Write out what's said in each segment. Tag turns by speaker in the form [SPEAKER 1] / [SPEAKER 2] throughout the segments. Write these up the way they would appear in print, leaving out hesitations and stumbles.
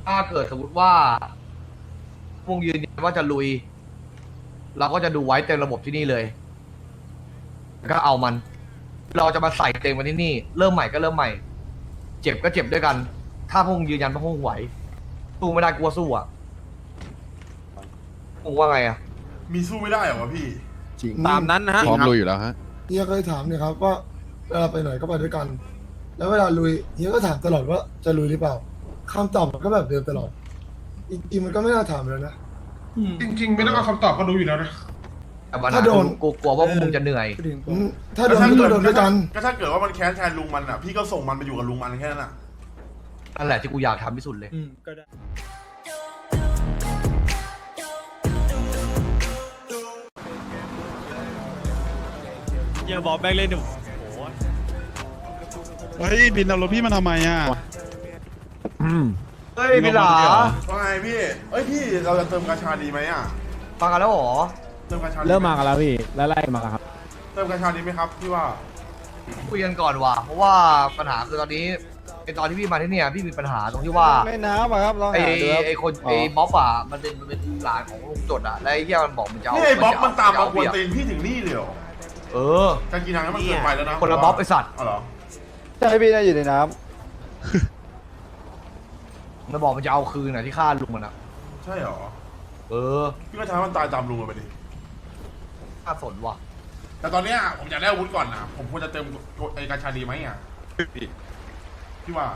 [SPEAKER 1] ถ้าเกิดสมมติว่าวงยืนยันว่าจะลุยเราก็จะดูไว้เต็มระบบที่นี่เลยก็เอามันเราจะมาใส่เต็มวันที่นี่เริ่มใหม่ก็เริ่มใหม่เจ็บก็เจ็บด้วยกันถ้าพวกมึงยืนยันว่าพวกมึงไหวสู้ไม่ได้กลัวสู้อ่ะมึงว่าไงอ่ะ
[SPEAKER 2] มีสู้ไม่ได้เหรอวะพี่
[SPEAKER 3] จริง
[SPEAKER 4] ตามนั้นนะฮะ
[SPEAKER 3] พร้อมลุยอยู่แล้วฮะ
[SPEAKER 5] เฮียเคยถามเนี่ยครับว่าเวลาไปไหนก็ไปด้วยกัน แล้วเวลาลุยเฮียก็ถามตลอดว่าจะลุยหรือเปล่าคำตอบมันก็แบบเดิมตลอดจริงๆมันก็ไม่น่าถามแล้วนะ
[SPEAKER 2] จริงๆ ไม่ต้องเอาคำตอบก็รู้อยู่แล้วนะ
[SPEAKER 1] แต่ปัญหา
[SPEAKER 5] ถ้าโดน
[SPEAKER 1] กูกลัวว่าพวกมึงจะเหนื่อย
[SPEAKER 5] ถ้าโดนก็โดนด้วยกัน
[SPEAKER 2] ก็ถ้าเกิดว่ามันแค้นแทนลุงมันอ่ะพี่ก็ส่งมันไปอยู่กับลุงมันแค่นั้นอ่ะ
[SPEAKER 1] นั่นแหละที่กูอยากทำที่สุดเลย
[SPEAKER 4] ก็ได้อย่าบอกแบงค์เลยหนู
[SPEAKER 3] เฮ้ยบินเอารถพี่มาทำไมอ่ะ
[SPEAKER 1] เฮ้ยพี่หลา
[SPEAKER 2] ว่าไงพี่เอ้ยพี่เราจะเติมกาชาดีไหมอ่ะ
[SPEAKER 1] ฟังกันแล้วเหรอ
[SPEAKER 2] เติมกาชาดีไห
[SPEAKER 6] เริ่มมากันแล้วพี่ไล่มาครับ
[SPEAKER 2] เติมกาชาดีไหมครับพี่ว่า
[SPEAKER 1] คุยกันก่อนว่ะเพราะว่าปัญหาคือตอนนี้ไอตอนที่พี่มาที่เนี่ยพี่มีปัญหาตรงที่ว่า
[SPEAKER 6] ไม่น้ำอะครับลอง
[SPEAKER 1] ไอ
[SPEAKER 6] หาดูครับ
[SPEAKER 1] ไอคนไอบ๊อบอ่ะมันเป็นหลานของลุงจดอ่ะแล้วไอ้เหี้ยมันบอกมันจะเอา
[SPEAKER 2] นี่ไอ้บ๊อบมันตามมา
[SPEAKER 1] จะ
[SPEAKER 2] ก
[SPEAKER 1] เอ
[SPEAKER 2] วน
[SPEAKER 1] เปรี
[SPEAKER 2] ตี
[SPEAKER 1] ยบ
[SPEAKER 2] นพี่ถึงนี่เลยเหรอ
[SPEAKER 1] เออ
[SPEAKER 2] การกินน้ำมันเกินไปแล้วนะ
[SPEAKER 1] คนละบ๊อบไอสัตว์
[SPEAKER 2] อ๋อเหรอ
[SPEAKER 6] ใช่พี่น่าอยู่ในน้
[SPEAKER 1] มันบอกมันจะเอาคืนอ่ะที่ฆ่าลุงมันอ่ะ
[SPEAKER 2] ใช่เหรอ
[SPEAKER 1] เออ
[SPEAKER 2] พี่ก็ทำมันตายตามลุงมันไปดิ
[SPEAKER 1] น่าสนว่ะ
[SPEAKER 2] แต่ตอนเนี้ยผมอยากได้อาวุธก่อนนะผมควรจะเติมไอ้กาชาดีไหมอ่ะพี่ว่า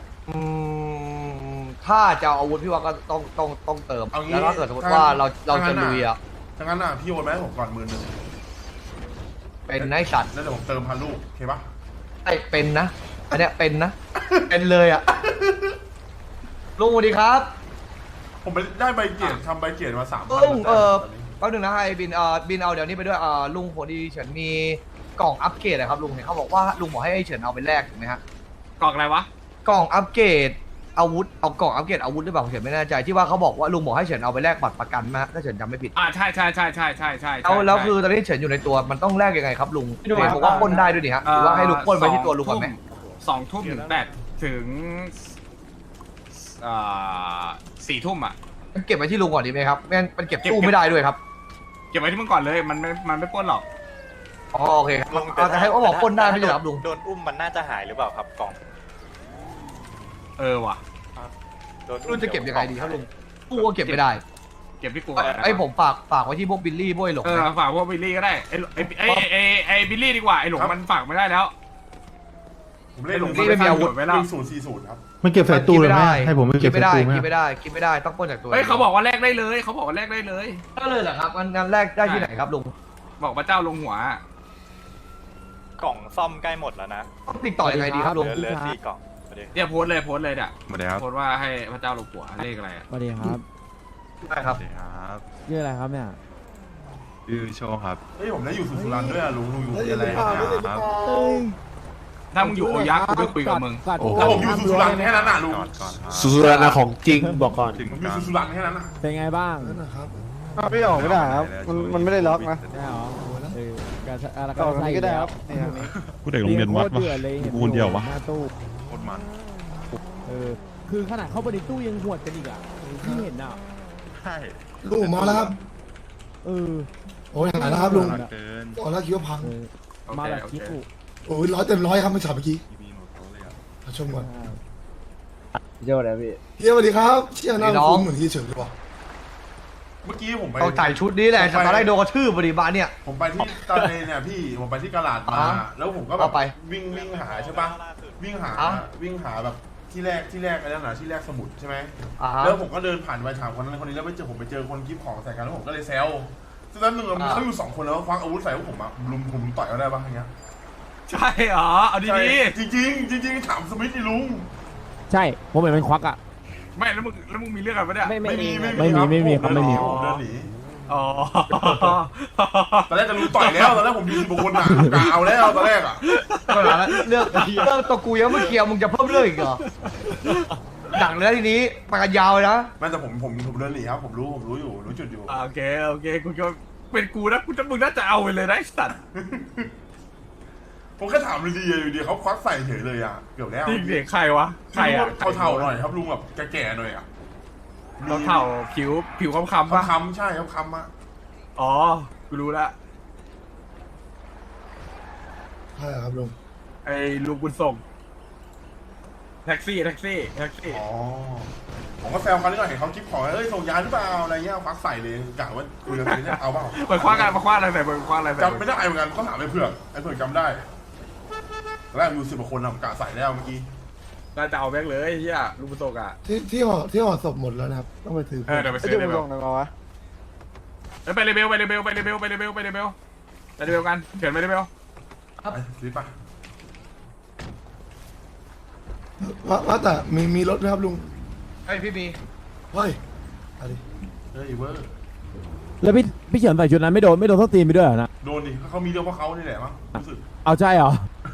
[SPEAKER 1] ถ้าจะเอาอาวุธพี่ว่าก็ต้องเติม
[SPEAKER 2] เอางี้
[SPEAKER 1] แล้วถ้าเกิดสมมติว่าเราจะลุยอ่ะ
[SPEAKER 2] ถ้างั้นอ่ะพี่โอนมาให้ผมก่อน10,000
[SPEAKER 1] เป็นนายสัตว์
[SPEAKER 2] แล้วเดี๋ยวผมเติมพันลูกโอเคปะ
[SPEAKER 1] ไอเป็นนะอันเนี้ยเป็นนะ เป็นเลยอ่ะลุงสวัสดีครับ
[SPEAKER 2] ผมไปได้ใบเกียรติทำใบเกียรติมา3,000
[SPEAKER 1] ลุงแป๊บนึงนะไอ้บินบินเอาเดี๋ยวนี้ไปด้วยลุงพอดีเฉินมีกล่องอัปเกรดนะครับลุงเห็นเขาบอกว่าลุงบอกให้ไอ้เฉินเอาไปแลกถูกไหมฮะ
[SPEAKER 4] กล่องอะไรวะ
[SPEAKER 1] กล่องอัปเกรดอาวุธเอากล่องอัปเกรดอาวุธหรือเปล่าผมเฉินไม่แน่ใจที่ว่าเขาบอกว่าลุงบอกให้เฉินเอาไปแลกบัตรประกันมาถ้าเฉินจำไม่ผิด
[SPEAKER 4] ใช่
[SPEAKER 1] แล้วคือตอนนี้เฉินอยู่ในตัวมันต้องแลกยังไงครับลุงเห็นบอกว่าปล้นได้ด้วยนี่ฮะหรือว่าให้ลุงปล้นไปที่ตัวลุงก่อนไหม
[SPEAKER 4] 2 ทุ่มถึง8ถึง4 ทุ่มอ่ะ
[SPEAKER 1] มันเก็บไว้ที่ลุงก่อนดีไหมครับไม่งั้นมันเก็บตู้ไม่ได้ด้วยครับ
[SPEAKER 4] เก็บไว้ที่มึงก่อนเลยมันไม่ปล้นหรอก
[SPEAKER 1] อ๋อโอเคครับแต่ให้เขาบอกปล้นได้ไม่ใช่เหรอครับลุง
[SPEAKER 7] โดนอุ้มมันน่าจะหายหรือเปล่าครับกล่อง
[SPEAKER 4] ว่ะ
[SPEAKER 7] โดน
[SPEAKER 1] ลุงจะเก็บยังไงดีครับลุงตู้ก็เก็บไม่ได้
[SPEAKER 4] เก็บที่กู
[SPEAKER 1] ไอ้ผมฝากไว้ที่พวกบิลลี่พวกไอ้หลงนะ
[SPEAKER 4] ฝากพวกบิลลี่ก็ได้ไอ้บิลลี่ดีกว่าไอ้หลงมันฝากไม่ได้แล้ว
[SPEAKER 2] ผมเล่น
[SPEAKER 4] ลุงนี่ไม่มีอาวุธไว้แล้ว
[SPEAKER 2] 040ครับ
[SPEAKER 8] มันเก็บใส่ตู้เลยไหมให้ผมไป
[SPEAKER 1] คิ
[SPEAKER 8] เก็
[SPEAKER 1] ด
[SPEAKER 8] บ
[SPEAKER 1] ไม่
[SPEAKER 8] ใส่
[SPEAKER 1] ได้
[SPEAKER 8] ตู้ไหม
[SPEAKER 1] คิดไม่ได้คิดไม่ได้ต้องปล้นจากตัว
[SPEAKER 4] เฮ้ยเขาบอกว่าแลกได้เลยเขาบอกว่าแลกได้เลย
[SPEAKER 1] ก็เลยเหรอครับงานแรกได้ที่ไหนครับลุง
[SPEAKER 4] บอกพระเจ้าลงหัว
[SPEAKER 7] กล่องซ่อมใกล้หมดแล้วนะ
[SPEAKER 1] ต้องติดต่อยังไงดีครับลุง
[SPEAKER 7] เหลือ4 กล่องพอดี
[SPEAKER 4] เนี่ยโพสต์เลย
[SPEAKER 3] มาแล้ว
[SPEAKER 4] โพสต์ว่าให้พระเจ้าลงหัวเลขอะไร
[SPEAKER 6] ำสวัสดีครับ
[SPEAKER 1] ได้ครับ
[SPEAKER 3] ครับ
[SPEAKER 6] ชื่ออะไรครับเนี่ย
[SPEAKER 3] ชื่อโชว์ครับ
[SPEAKER 2] เฮ้ยผมได้อยู่สุรันด้วยอะลุงอยู่อะไรครับ
[SPEAKER 3] ครับ
[SPEAKER 4] ถ้ามึงอยู่โอยักษ์กูไม่คุยกับมึง
[SPEAKER 3] โอ้โห
[SPEAKER 2] แล้วผมอยู่สุรันแค่นั้นน่ะลุง
[SPEAKER 3] ก่อนครับ
[SPEAKER 8] สุรานะของจริงบอกก่อน
[SPEAKER 3] ถึง
[SPEAKER 2] ผมอยู่
[SPEAKER 3] การ
[SPEAKER 2] สุรันแค่นั้นน่ะ
[SPEAKER 6] เป็นไงบ้าง
[SPEAKER 5] นั่นนะครับ
[SPEAKER 6] พี่ออกไม่ได้ครับมันไม่ได้ล็อกนะใช่หรอการใส่ก็ได้ครับ
[SPEAKER 8] ผู้เด็กโรงเรียนวัดวะ
[SPEAKER 6] เลย
[SPEAKER 8] กูคนเดียววะ
[SPEAKER 6] หน้าตู้
[SPEAKER 3] โคตรมัน
[SPEAKER 6] คือขนาดเข้าไปในตู้ยังหวดกันอีกอ่ะที่เห็นอ่ะ
[SPEAKER 3] ใช่
[SPEAKER 5] ลุงผมมาแล้วครับ
[SPEAKER 6] เออ
[SPEAKER 5] โอ้ยหายแล้วครับลุง
[SPEAKER 3] เกิน
[SPEAKER 5] ตอนแรกคิดว่าพัง
[SPEAKER 6] มาแบบคิดอุ
[SPEAKER 5] โอ้ย100 ครับเมื่อเช้าเมื่อกี้
[SPEAKER 3] มีหมดโต๊ะเลยอ่ะ
[SPEAKER 5] มาชมก่อน
[SPEAKER 6] เจ้าอะไรพี่
[SPEAKER 5] เฮียสวัสดีครับเชี่ยหน้าคุ้นเหมือนที่เฉินเลยว่ะ
[SPEAKER 2] เมื่อกี้ผมไป
[SPEAKER 1] ต้องใส่ชุดนี้แหละตอนแรกโดนกระทืบบริบาลเนี่ย
[SPEAKER 2] ผมไปที่ตอนนี้เนี่ยพี่ผมไปที่กะลาดมา
[SPEAKER 1] อ่า
[SPEAKER 2] แล้วผมก็แบ
[SPEAKER 1] เอา
[SPEAKER 2] บ
[SPEAKER 1] ไป
[SPEAKER 2] วิ่งหาใช่ปะวิ่งหา
[SPEAKER 1] อ่ะ
[SPEAKER 2] วิ่งหาแบบที่แรกอะไรนั่นน่ะที่แรกสมุดใช่ไหม
[SPEAKER 1] อ่าฮะ
[SPEAKER 2] แล้วผมก็เดินผ่านไปถามคนนั้นคนนี้แล้วผมไปเจอคนกิฟต์ของใส่กันแล้วผมก็เลยแซวซึ่งนั้นหนึ่งเขาอยู่2 คนแล้วคว้าอาวุธใส่พวกผมอะผมต่อยเขาได้ปะอย่างเงี้ย
[SPEAKER 4] ใช่เหรอเอาดี
[SPEAKER 2] จริงๆถามสมิธดิลุง
[SPEAKER 6] ใช่ผมเห็นมันควักอ่ะ
[SPEAKER 4] ๆไม่แล้วมึงมีเรื่องอะไรปะเนี่ย
[SPEAKER 2] ไม่มี
[SPEAKER 6] ไม่มี
[SPEAKER 2] ครับ
[SPEAKER 6] ไม่มีครับไม่มี
[SPEAKER 2] ผมเดินหนี
[SPEAKER 4] อ๋อ
[SPEAKER 2] ตอนแรกจะลุงต่อยแล้วตอนแรกผมยืนบนน่ะกะเอาแล้วตอนแรกอะ
[SPEAKER 1] ก็แล้วเรื่องตัวกูยังไม่เคลียร์มึงจะเพิ่มเรื่องอีกเหรอดังเลยทีนี้ไปกันยาวเลยนะ
[SPEAKER 2] ไม่แต่ผมเดินหนีครับผมรู้อยู่รู้จุดอยู่
[SPEAKER 4] โอเคกูก็เป็นกูนะมึงน่าจะเอาไปเลยนะไอ้สัตว์
[SPEAKER 2] ผมแค่ถามดีๆอยู่ดีเขาควักใส่เฉยเลยอ่ะเกือบแล้ว
[SPEAKER 4] จริงเสียงใครวะใครอ่ะ
[SPEAKER 2] เท่าๆหน่อยครับลุงแบบแก่ๆหน่อยอ่ะ
[SPEAKER 4] เท่าผิวคำๆปะ
[SPEAKER 2] คำๆใช่ครับคำอ่ะ
[SPEAKER 4] อ๋อกูรู้ละ
[SPEAKER 5] ใช่ครับลุง
[SPEAKER 4] ไอ้ลุงบุญส่งแท็กซี่
[SPEAKER 2] อ๋อผมก็แซวเขานิดหน่อยเห็นเขาคลิปของเอ้ยส่งยาหรือเปล่าอะไรเงี้ยควักใส่เลยกะว่าคุยกันทีเนี่ยเอาเปล่า
[SPEAKER 4] เปิดคว้ากันมาคว้าอะไรใส่เปิดคว้าอะไรใส่
[SPEAKER 2] จำไม่ได้เหมือนกันก็ถามไอ้เผือกจำได้ตอนแรกอยู่10 กว่าคนทำกะใส่แล้วเมื่อกี้
[SPEAKER 4] น่าจะเอาแบงค์เลยเฮียลุงบุญส่งอ่ะ
[SPEAKER 5] ที่ห่อศพหมดแล้วนะครับต้องไปถือ
[SPEAKER 4] เดี๋ยวไป
[SPEAKER 6] ไอ้
[SPEAKER 4] ซื้อ
[SPEAKER 6] จุ๊บ
[SPEAKER 4] เลเบ
[SPEAKER 6] ล
[SPEAKER 4] ล
[SPEAKER 6] งหน่อยวะ
[SPEAKER 4] ไปเลเบลกันเขียนไปเลเบล
[SPEAKER 2] ไปซื้อปะ
[SPEAKER 5] ว่าแต่มีรถไหมครับลุง
[SPEAKER 1] ไอ้ยพี่มี
[SPEAKER 5] เฮ้ยอะไร
[SPEAKER 2] เฮ้ยเวอร์
[SPEAKER 6] แล้วพี่เฉินใส่ชุดนั้นไม่โดนส้นตีนไปด้วยเหรอนะ
[SPEAKER 2] โดนดิเขามีเรื่องเพราะเขานี่แหละมั้งรู้สึก
[SPEAKER 6] เอาใจเหรอ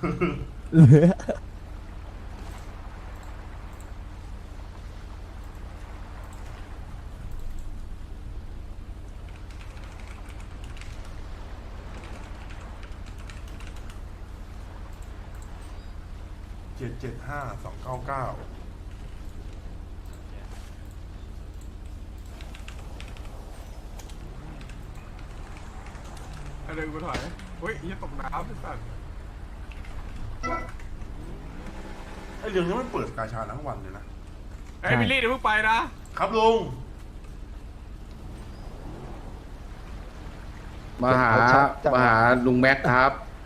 [SPEAKER 2] 775-299
[SPEAKER 4] เดินกูถอยเฮ้ยยี่ตกน้ำไอ้สัส
[SPEAKER 2] ไอ้เรื่องนี้มันเปิดกาชาทั้งวันเลยนะ
[SPEAKER 4] ไอ้บิลลี่เดี๋ยวเพิ่งไปนะครับ
[SPEAKER 2] ลุง
[SPEAKER 9] มาหาลุงแม็กครับ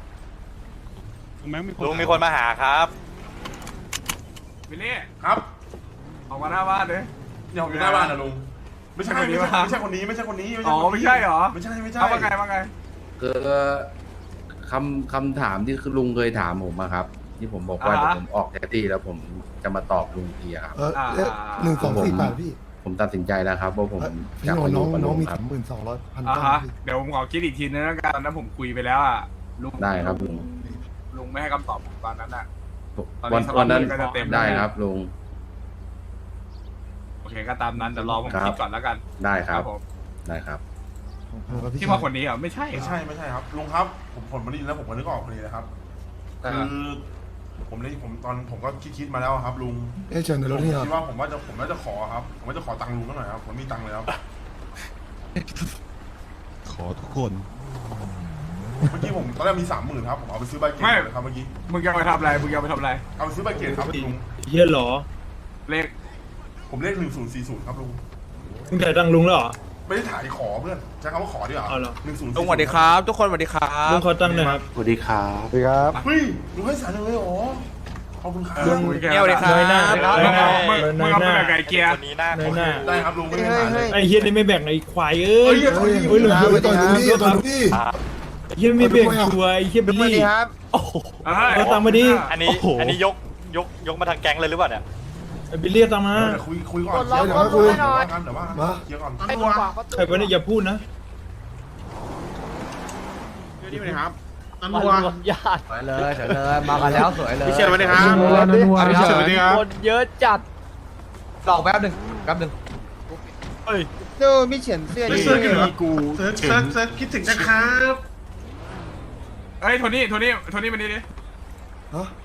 [SPEAKER 7] ลุงมีคนมาหาครับ
[SPEAKER 4] บิลลี่
[SPEAKER 2] ครับ
[SPEAKER 4] ออกมาหน้าบ้านเลย
[SPEAKER 2] เนี่ยผมอยู่หน้าบ้านนะลุงไม่ใช่คนนี้
[SPEAKER 4] อ๋อไม่ใช่เหรอ
[SPEAKER 2] ไม่ใช่
[SPEAKER 4] เอาว่าไง
[SPEAKER 9] คือคำถามที่ลุงเคยถามผมอะครับ ที่ผมบอกว่า
[SPEAKER 4] อ่าฮะ
[SPEAKER 9] เดี๋ยวผมออกแท็กซี่แล้วผมจะมาตอบลุงทีอะครับ
[SPEAKER 5] เลข1248พี่
[SPEAKER 9] ผมตัดสินใจแล้วครับว่าผม
[SPEAKER 5] พี่
[SPEAKER 9] อยาก
[SPEAKER 5] น้
[SPEAKER 9] มาอยู่กับ
[SPEAKER 5] น้
[SPEAKER 9] ลุ
[SPEAKER 5] อง
[SPEAKER 9] ง
[SPEAKER 5] มี
[SPEAKER 9] ครับ
[SPEAKER 5] 32,000
[SPEAKER 4] อ่า
[SPEAKER 5] ก้า
[SPEAKER 4] ฮะ
[SPEAKER 5] พี่
[SPEAKER 4] เดี๋ยวผมขอคิดอีกทีนึงแล้วกันนะผมคุยไปแล้วอ่ะลุง
[SPEAKER 9] ได้ครับลุง
[SPEAKER 4] ไม่ให้คำตอบผมตอนนั้นอ่ะ ตอนนี้
[SPEAKER 9] วันนั้น
[SPEAKER 4] สล็อตก็จะเต็ม
[SPEAKER 9] ได้ครับลุง
[SPEAKER 4] โอเคก็ตามนั้นเดี๋ยวรอผม
[SPEAKER 9] ครับ
[SPEAKER 4] คิดก่อนแล้วกัน
[SPEAKER 9] ได้ครับ
[SPEAKER 4] ผม
[SPEAKER 9] ได้ครับ
[SPEAKER 4] ที่ว่าคนนี้เหรอไม่ใช่
[SPEAKER 2] ไม่ใช่ครับลุงครับผมมาได้ยินแล้วผมก็นึกออกพอดีเลยครับคือผมก็คิดมาแล้วครับลุง
[SPEAKER 5] เชิญในรถนี่ครับ
[SPEAKER 2] คิดว่าผมว่าจะขอครับผมว่าจะขอตังค์ลุงหน่อยครับผมมีตังค์เลยครับ
[SPEAKER 8] ขอทุกคน
[SPEAKER 2] เมื่อกี้ผมตอนแรกมี 30,000ครับผมเอาไปซื้อใบเกตเลยครับเมื่อกี้
[SPEAKER 4] มึงจะไปทำอะไร
[SPEAKER 2] เอาไปซื้อใบเกตครับลุง
[SPEAKER 10] เฮียเหรอ
[SPEAKER 4] เลข
[SPEAKER 2] ผมเลข1040ครับลุง
[SPEAKER 10] มึงจ่ายตังค์ลุงแล้วเหรอ
[SPEAKER 2] ไม่ได้ถ่ายขอเพื่อนใช้คำว่าขอดีกว่า
[SPEAKER 10] เอาเหรอ
[SPEAKER 2] 1040
[SPEAKER 7] ลุงสวัสดีครับ ทุกคนสวัสดีครั
[SPEAKER 10] ลุ
[SPEAKER 7] บ
[SPEAKER 10] งขอตังค์หน่อยครับ
[SPEAKER 8] สวัสดีครับ
[SPEAKER 6] สวัสดีครับ
[SPEAKER 2] เฮ้ยลุงให้100,000เลยเหรอขอบคุณครับ
[SPEAKER 4] คุยกัน
[SPEAKER 7] เกี่ยวเลยครับ
[SPEAKER 10] น้อยหน้า
[SPEAKER 4] มึงเอาไปแบบไก่เกียร์
[SPEAKER 7] คนนี้หน้า
[SPEAKER 10] น้อยหน้า
[SPEAKER 2] ได้ครับลุงไม่ได้ถ่ายเลย
[SPEAKER 10] ไอ้เฮียนี่ไม่แบ่งไอ้ควายเอ้
[SPEAKER 2] เฮ้
[SPEAKER 10] ย
[SPEAKER 2] ยอย่าต่อย
[SPEAKER 10] เฮ้ยลุง
[SPEAKER 5] ไปต่อยลุงนี่ต่อยลุงนี่
[SPEAKER 10] ไอ้เฮียไม่แบ่งชัวร์ไอ้เฮียบิลลี่ เอาตังค์มาดิ
[SPEAKER 7] อันนี้ยกมาทางแก๊งเลยหรือเปล่าเนี่ย
[SPEAKER 10] ไอ้บิลลี่เอาตังค์มา
[SPEAKER 2] เดี๋ยวคุยก่อน
[SPEAKER 5] เดี๋ยวคุย
[SPEAKER 2] เดี๋ยวว่ากันเดี๋ยวว่ากันเคลียร์ก่อน
[SPEAKER 10] ใครไปเนี่ยอย่าพูดนะ
[SPEAKER 1] สวยเลยมากันแล้วสวยเลย
[SPEAKER 8] พี่เชิญมาเลยครับ
[SPEAKER 1] พี่เชิญ
[SPEAKER 8] สวัสดีครับ
[SPEAKER 6] คนเยอะจัด
[SPEAKER 1] ลองแป๊บหนึ่ง
[SPEAKER 6] ดูมีเฉียนเสื้อดี
[SPEAKER 8] เซิร์ชคิดถึงนะครับ
[SPEAKER 4] เฮ้ยโทนี่มานี่ดิ
[SPEAKER 5] ฮะ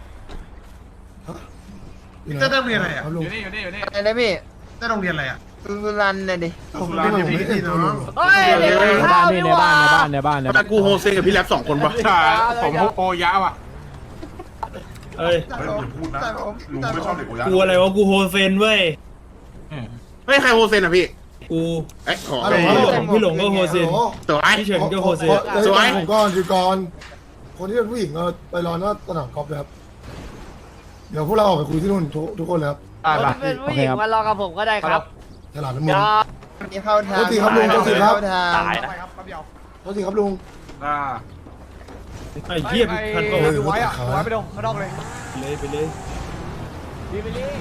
[SPEAKER 8] จะได้เรียนอะไรอ่ะ
[SPEAKER 5] ครับลุง
[SPEAKER 4] อยู่นี่
[SPEAKER 6] อะไรนะพี่
[SPEAKER 8] ได้โรงเรียนอะไรอ่ะ
[SPEAKER 6] ตุลันน่ะดิ
[SPEAKER 2] สุราเนี่ยพี่
[SPEAKER 8] พี่น้อง
[SPEAKER 6] เฮ้ยเด็ก
[SPEAKER 5] เฮ้ย
[SPEAKER 6] ข้าวนี่หว่า
[SPEAKER 8] แต่กูโฮเซกับพี่แล็บ2 คนปะ
[SPEAKER 4] ผมโปยะว่ะ
[SPEAKER 10] เอ้ย
[SPEAKER 2] เฮ้ยอย่าพูดนะลุงไม่ชอบเด็กโอยะ
[SPEAKER 10] กูอะไรวะกูโฮเซนเว้ย
[SPEAKER 8] เฮ้ยใครโฮเซนอ่ะพี่
[SPEAKER 10] กู
[SPEAKER 8] เอ้ยขอ
[SPEAKER 10] พี่หลงก็โฮเซน
[SPEAKER 8] ตัวไอ้
[SPEAKER 10] พี่เฉินก็โฮเซน
[SPEAKER 5] สวยผมก่อนอยู่ก่อน คนที่เป็นผู้หญิงไปรอหน้าสนามกอล์ฟเลยครับ เดี๋ยวพวกเราออกไปคุยที่นู่นทุกคนเลยครับ
[SPEAKER 6] เป็นผู้หญิงมารอกับผมก็ได้ครับ
[SPEAKER 5] ตลาดน้ำมัน
[SPEAKER 6] นี่เข้าทาง
[SPEAKER 5] โทษทีครับลุงโทษทีครับ
[SPEAKER 7] ตายนะ
[SPEAKER 5] โทษทีครับลุง
[SPEAKER 10] ไอ้เฮียพันโอ้
[SPEAKER 5] เฮ้ย
[SPEAKER 1] ดูไว้อะดูไว้ไปดูข้างนอกเลย
[SPEAKER 10] เลยไปเลย
[SPEAKER 6] บิลลี่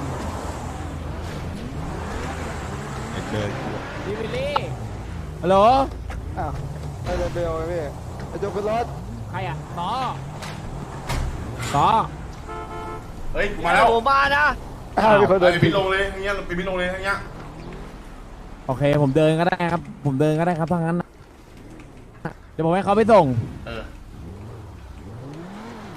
[SPEAKER 8] เลย
[SPEAKER 6] บิลลี่ฮัลโหลอ้าวไอ้เบลพี่ไอ้โจขึ้นรถใครอ่ะต่อ
[SPEAKER 2] เฮ้ยมาแล้ว
[SPEAKER 6] ผมมานะ
[SPEAKER 2] ไปพี่ลงเลยอย่างเงี้ยไปพี่ลงเลยอย่างเงี้ย
[SPEAKER 6] โอเคผมเดินก็ได้ครับถ้างั้นเดี๋ยวผมให้เขาไปส่ง
[SPEAKER 2] เออ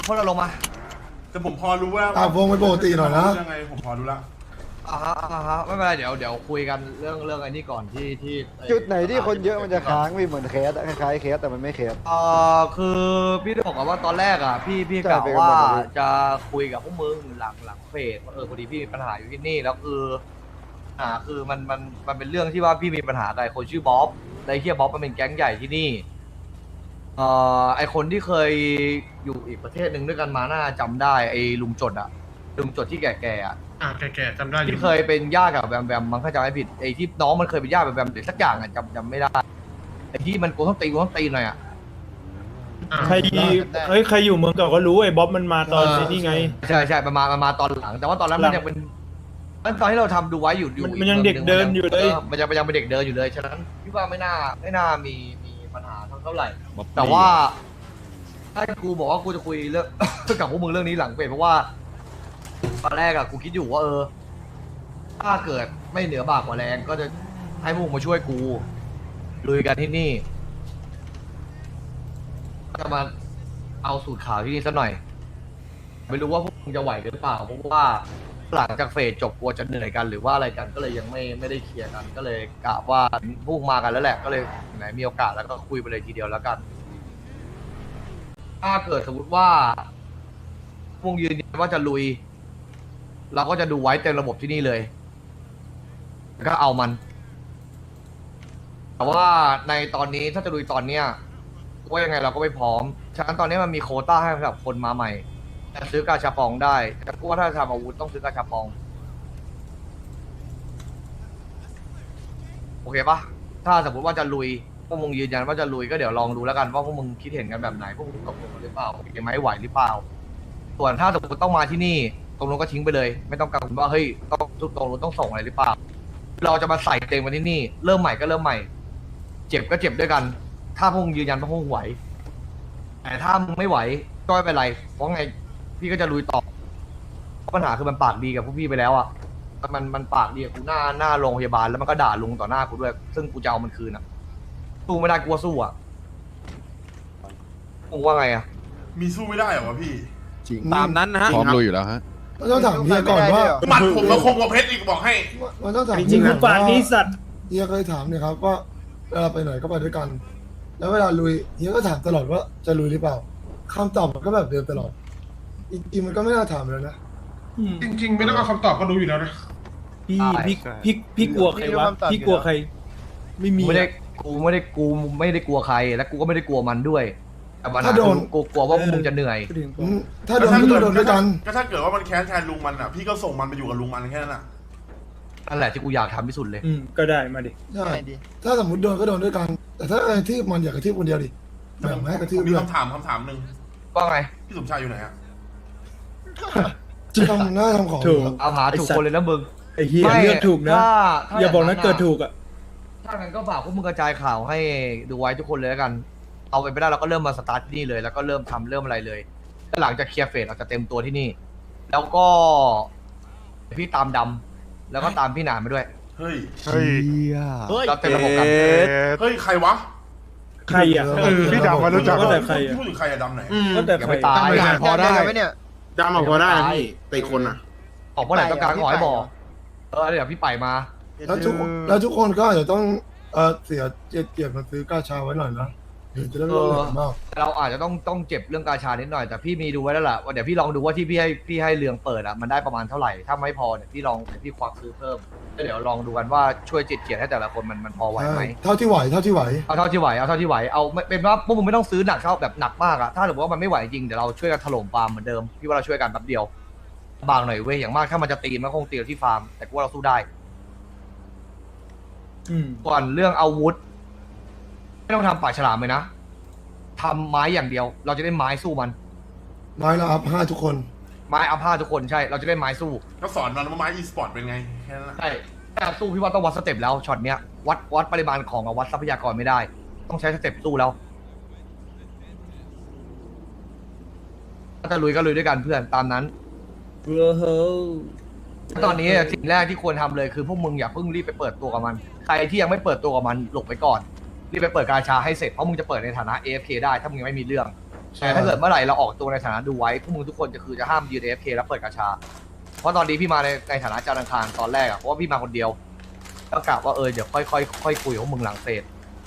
[SPEAKER 1] พวกเราลงมา
[SPEAKER 2] แต่ผมพอรู้ว่า
[SPEAKER 5] วงไปปกติหน่อยนะ
[SPEAKER 2] ยังไงผมพอรู้ละ
[SPEAKER 1] ไม่เป็นไรเดี๋ยวคุยกันเรื่องไอ้นี่ก่อนที่
[SPEAKER 6] จุดไหนที่คนเยอะมันจะค้างพี่เหมือนเคสอะคล้ายๆเคสแต่มันไม่เคส
[SPEAKER 1] คือพี่ได้บอกกันว่าตอนแรกอ่ะพี่
[SPEAKER 6] ใช่
[SPEAKER 1] กล่าว
[SPEAKER 6] ไปกัน
[SPEAKER 1] ว่า
[SPEAKER 6] หมดเลย
[SPEAKER 1] จะคุยกับพวกมึงหลังเฟสพอดีพี่มีปัญหาอยู่ที่นี่แล้วคือมันเป็นเรื่องที่ว่าพี่มีปัญหากับไอ้คนชื่อบ๊อบไอ้เฮียบ๊อบมันเป็นแก๊งใหญ่ที่นี่ไอคนที่เคยอยู่อีกประเทศหนึ่งด้วยกันมาน่าจำได้ไอ้ลุงจดที่แก่ๆอ่ะ
[SPEAKER 8] แก่ๆจำได้อยู่
[SPEAKER 1] ที่เคยเป็นญาติกับแบมแบมมันถ้าจำไม่ผิดไอ้ที่น้องมันเคยเป็นญาติกับแบมหรือสักอย่างอ่ะจำไม่ได้ไอ้ที่มันกูต้องตีหน่อยอ่ะ
[SPEAKER 10] ใครใครอยู่เมืองเก่าก็รู้ไอ้บ๊อบมันมาตอนนี้ไง
[SPEAKER 1] ใช่มาตอนหลัง แต่ว่าตอนนั้นมันยังเป็นตอนที่เราทำดูไว้อยู่
[SPEAKER 10] มันยังเด็กเดินอยู่เลย
[SPEAKER 1] มันยังเป็นเด็กเดินอยู่เลยฉะนั้นพี่ว่าไม่น่ามีปัญหาเท่าไหร่ แต่ว่าถ้ากูบอกว่ากูจะคุยเรื่อง กับพวกมึงเรื่องนี้หลังเฟสเพราะว่าตอนแรกอะกูคิดอยู่ว่าถ้าเกิดไม่เหนือบากกว่าแรงก็จะให้พวกมึงมาช่วยกูลุยกันที่นี่จะมาเอาสูตรข่าวที่นี่สักหน่อย ไม่รู้ว่าพวกมึงจะไหวกันหรือเปล่าเพราะว่าหลังจากเฟสจบกลัวจะเหนื่อยกันหรือว่าอะไรกันก็เลยยังไม่ได้เคลียร์กันก็เลยกะว่าพวกมากันแล้วแหละก็เลยไหนมีโอกาสแล้วก็คุยไปเลยทีเดียวแล้วกัน ถ้าเกิดสมมติว่าพวกยืนยันว่าจะลุย เราก็จะดูไว้เต็มระบบที่นี่เลยแล้วก็เอามัน แต่ว่าในตอนนี้ถ้าจะลุยตอนเนี้ยว่ายังไงเราก็ไม่พร้อมฉะนั้นตอนนี้มันมีโควต้าให้สำหรับคนมาใหม่จะซื้อกาชาปองได้แต่กูว่าถ้าทำอาวุธต้องซื้อกาชาปองโอเคปะถ้าสมมติว่าจะลุยพวกมึงยืนยันว่าจะลุยก็เดี๋ยวลองดูแล้วกันว่าพวกมึงคิดเห็นกันแบบไหนพวกมึงตกลงกันหรือเปล่าโอเคไหมไหวหรือเปล่าส่วนถ้าสมมติต้องมาที่นี่ตรงนู้นก็ทิ้งไปเลย ไม่ต้องกังวลว่าเฮ้ยต้องตรงนู้นต้องส่งอะไรหรือเปล่า เราจะมาใส่เต็มมาที่นี่เริ่มใหม่ก็เริ่มใหม่ เจ็บก็เจ็บด้วยกัน ถ้าพวกมึงยืนยันว่าพวกมึงไหวแต่ถ้ามึงไม่ไหวก็ไม่เป็นไรเพราะไงพี่ก็จะลุยต่อปัญหาคือมันปากดีกับพวกพี่ไปแล้วอ่ะมันปากดีกับกูหน้าโรงพยาบาลแล้วมันก็ด่าลุงต่อหน้ากูด้วย ซึ่งกูจะเอามันคืนอ่ะสู้ไม่ได้กลัวสู้อ่ะมึงว่าไงอ่ะ
[SPEAKER 2] มีสู้ไม่ได้เหรอวะพี่
[SPEAKER 8] ตามนั้นนะฮะ
[SPEAKER 3] พร้อมลุยอยู่แล้วฮะ
[SPEAKER 5] มันต้องถามเฮียก่อนว่า
[SPEAKER 2] หมัดผมมาคงกว่าเพชรอีกบอกให้
[SPEAKER 5] มันต้องถาม
[SPEAKER 10] จริงๆคือปากนี้สัตว์
[SPEAKER 5] เฮียเคยถามเนี่ยครับว่าเวลาไปไหนก็ไปด้วยกัน แล้วเวลาลุยเฮียก็ถามตลอดว่าจะลุยหรือเปล่าคำตอบมันก็แบบเดิมตลอดจริงๆมันก็ไม่น่าถามเลยนะ
[SPEAKER 8] จริงๆ ไม่ต้องเอาคำตอบก็รู้อยู่แล้วนะ
[SPEAKER 10] พี่กลัวใครวะพี่กลัวใคร ไม่มี
[SPEAKER 1] กูไม่ได้กลัวใครและกูก็ไม่ได้กลัวมันด้วยแต่ปัญหา
[SPEAKER 5] ถ้าโดน
[SPEAKER 1] กูกลัวว่าพวกมึงจะเหนื่อย
[SPEAKER 5] ถ้าโดนก็ต้องโดนด้วยกัน
[SPEAKER 2] ก็ถ้าเกิดว่ามันแค้นแทนลุงมันอ่ะพี่ก็ส่งมันไปอยู่กับลุงมันแค่นั้นอ่ะ
[SPEAKER 1] นั่นแหละที่กูอยากทำที่สุดเลย
[SPEAKER 10] ก็ได้มาดิ
[SPEAKER 5] ใช่ถ้าสมมติโดนก็โดนด้วยกัน แต่ถ้ากระทืบมันอย่ากระทืบคนเดียวดิแบ่งให้กระทืบ
[SPEAKER 2] มี
[SPEAKER 5] ด้วย
[SPEAKER 2] คำถามหนึ่ง
[SPEAKER 1] ว่าไง
[SPEAKER 2] พี่สมชายอยู่ไหนอ่ะ
[SPEAKER 5] ทำหน้าทำของ
[SPEAKER 10] ถูก
[SPEAKER 1] เอาหาถูกคนเลยนะมึง
[SPEAKER 10] ไอ้เหี้ยเลือกถูกนะ
[SPEAKER 1] ถ้า
[SPEAKER 10] อย่าบอกนะเกิดถูกอ่ะ
[SPEAKER 1] ถ้างั้นก็ฝากพวกมึงกระจายข่าวให้ดูไว้ทุกคนเลยแล้วกัน เอาไปไม่ได้เราก็เริ่มมาสตาร์ทที่นี่เลย แล้วก็เริ่มทำเริ่มอะไรเลยแล้วหลังจากเคลียร์เฟสเราจะเต็มตัวที่นี่ แล้วก็พี่ตามดำแล้วก็ตามพี่หนานมาด้วย
[SPEAKER 2] เฮ้ย
[SPEAKER 1] เราเต็มระบบกัน
[SPEAKER 2] เฮ้ยใครวะ
[SPEAKER 10] ใครอ่ะ
[SPEAKER 8] พี่ดำมารู้จัก
[SPEAKER 10] ก็แต่ใครอ่ะ
[SPEAKER 2] พูดถึงใครอะดำไหน
[SPEAKER 10] ก็แต่
[SPEAKER 1] อย่า
[SPEAKER 10] ใคร
[SPEAKER 1] ไปตาย
[SPEAKER 8] พอได้ดำมาพอได้นะพี่แต่อีกคนอ่ะ
[SPEAKER 1] ออกเมื่อไหร่ต้องการก็ขอให้บอกเดี๋ยวพี่ไปมา
[SPEAKER 5] แล้วทุกคนก็อาจจะต้องเสียเกียรติมาซื้อกาชาไว้หน่อยนะเดี๋ยวจะได้ไม่ต้องเหนื่อยมาก
[SPEAKER 1] เราอาจจะต้องเจ็บเรื่องกาชานิดหน่อยแต่พี่มีดูไว้แล้วล่ะว่าเดี๋ยวพี่ลองดูว่าที่พี่ให้เรืองเปิดอ่ะมันได้ประมาณเท่าไหร่ถ้าไม่พอเนี่ยพี่พี่ควักซื้อเพิ่มแล้วเดี๋ยวลองดูกันว่าช่วยเจียดให้แต่ละคนมันพอไหวไหม
[SPEAKER 5] เท่าที่ไหว
[SPEAKER 1] เอาเท่าที่ไหวเอาเป็นว่าพวกมึงไม่ต้องซื้อหนักเท่าแบบหนักมากอะถ้าสมมติว่ามันไม่ไหวจริงเดี๋ยวเราช่วยกันถล่มฟาร์มเหมือนเดิมพี่ว่าเราช่วยกันแป๊บเดียวบางหน่อยเว้ยอย่างมากถ้ามันจะตีมันคงตีเราที่ฟาร์มแต่กูว่าเราสู้ได้ก่อนเรื่องอาวุธไม่ต้องทำปากฉลามเลยนะทำไม้อย่างเดียว เราจะได้ไม้สู้มัน
[SPEAKER 5] ไม้ละอัพ5ทุกคน
[SPEAKER 1] ไม้อัพห้าทุกคนใช่เราจะได้ไม้สู้
[SPEAKER 2] ก็สอนมันว่าไม้อีสปอร์ตเป็นไงแค่นั้นแหละ
[SPEAKER 1] ใช่แต่สู้พี่ว่าต้องวัดสเต็ปแล้วช็อตเนี้ยวัดปริมาณของกับวัดทรัพยากรไม่ได้ ต้องใช้สเต็ปสู้แล้วถ้าจะลุยก็ลุยด้วยกันเพื่อนตามนั้นตอนนี้สิ่งแรกที่ควรทำเลยคือพวกมึงอย่าเพิ่งรีบไปเปิดตัวกับมันใครที่ยังไม่เปิดตัวกับมันหลบไปก่อนรีบไปเปิดกาชาให้เสร็จเพราะมึงจะเปิดในฐานะ AFK ได้ถ้ามึงยังไม่มีเรื่องแต่ถ้าเกิดเมื่อไหร่เราออกตัวในฐานะดูไว้พวกมึงทุกคนจะห้ามยืน AFK แล้วเปิดกาชา เพราะตอนนี้พี่มาในฐานะจานอังคารตอนแรกอะเพราะว่าพี่มาคนเดียวก็กะว่าเดี๋ยวค่อยคุยกับพวกมึงหลังเสร็จ